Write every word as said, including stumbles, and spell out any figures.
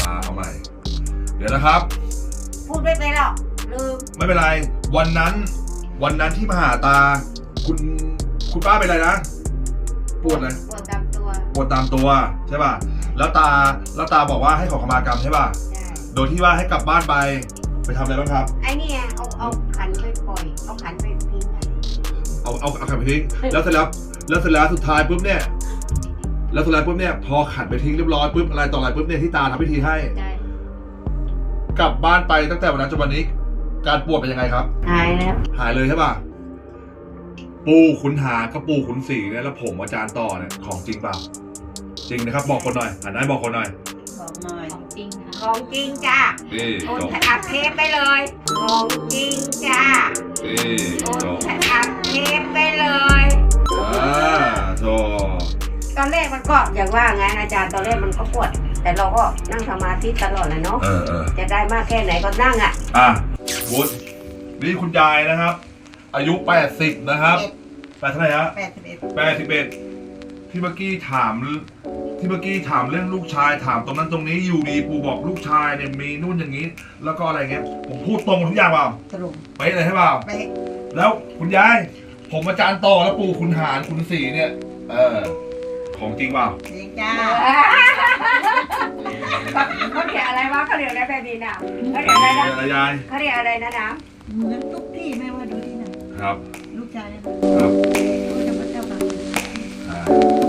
เอาใหม่เดี๋ยวนะครับพูดไม่เป็นหรอกลืมไม่เป็นไรวันนั้นวันนั้นที่มาหาตาคุณคุณป้าเป็นอะไรนะปวดเลยปวดตามตัวปวดตามตัวใช่ป่ะแล้วตาแล้วตาบอกว่าให้ขอขมากรรมใช่ป่ะใช่โดยที่ว่าให้กลับบ้านไปไปทำอะไรบ้างครับไอ้นี่เอาเอาขันไปปล่อยเอาขันไปทิ้งเอาเอาเอาขันไปทิ้งแล้วเสร็จแล้วแล้วเสร็จแล้วสุดท้ายปุ๊บเนี่ยแล้วสุดท้ายปุ๊บเนี่ยพอขันไปทิ้งเรียบร้อยปุ๊บอะไรต่ออะไรปุ๊บเนี่ยที่ตาทำพิธีให้กลับบ้านไปตั้งแต่วันนั้นจนวันนี้การปวดเป็นยังไงครับหายแล้วหายเลยใช่ป่ะปูขุนหากับปูขุนศรีเนี่ยแล้วผมอาจารย์ต่อเนี่ยของจริงเปล่าจริงนะครับบอกคนหน่อยหันหน้าบอกคนหน่อยบอกหน่อยของจริงของจริงจ้านี่โอนอัดเทปไปเลยของจริงจ้านี่โอนอัดเทปไปเลยอ่าโธ่ตอนแรกมันก็อย่างว่าไงอาจารย์ตอนแรกมันก็ปวดแต่เราก็นั่งสมาธิตลอดเลยเนาะจะได้มากแค่ไหนก็นั่งอ่ะอ่ะวุฒินี่คุณยายนะครับอายุแปดสิบนะครับแปดเท่าไหร่ฮะแปดสิบเอ็ดแปดสิบเอ็ดที่เมื่อกี้ถามที่เมื่อกี้ถามเรื่องลูกชายถามตรงนั้นตรงนี้อยู่ดีปูบอกลูกชายเนี่ยมีนู่นอย่างนี้แล้วก็อะไรเงี้ยผมพูดตรงทุกอย่างเปล่าตรงไปเลยใช่เปล่าไปแล้วคุณยายผมอาจารย์ต่อแล้วปู่คุณหารคุณศรีเนี่ยเออของจริงเปล่าจริงจ้าเขาเรียกอะไรวะเขาเรียกอะไรแบบนี้นะเขาเรียกอะไรนะอะไรยายเขาเรียกอะไรนะนะเหมือนทุกที่ไม่ว่าดูที่ไหนครับลูกชายนะครับลูกจะมาเจ้าบ่าว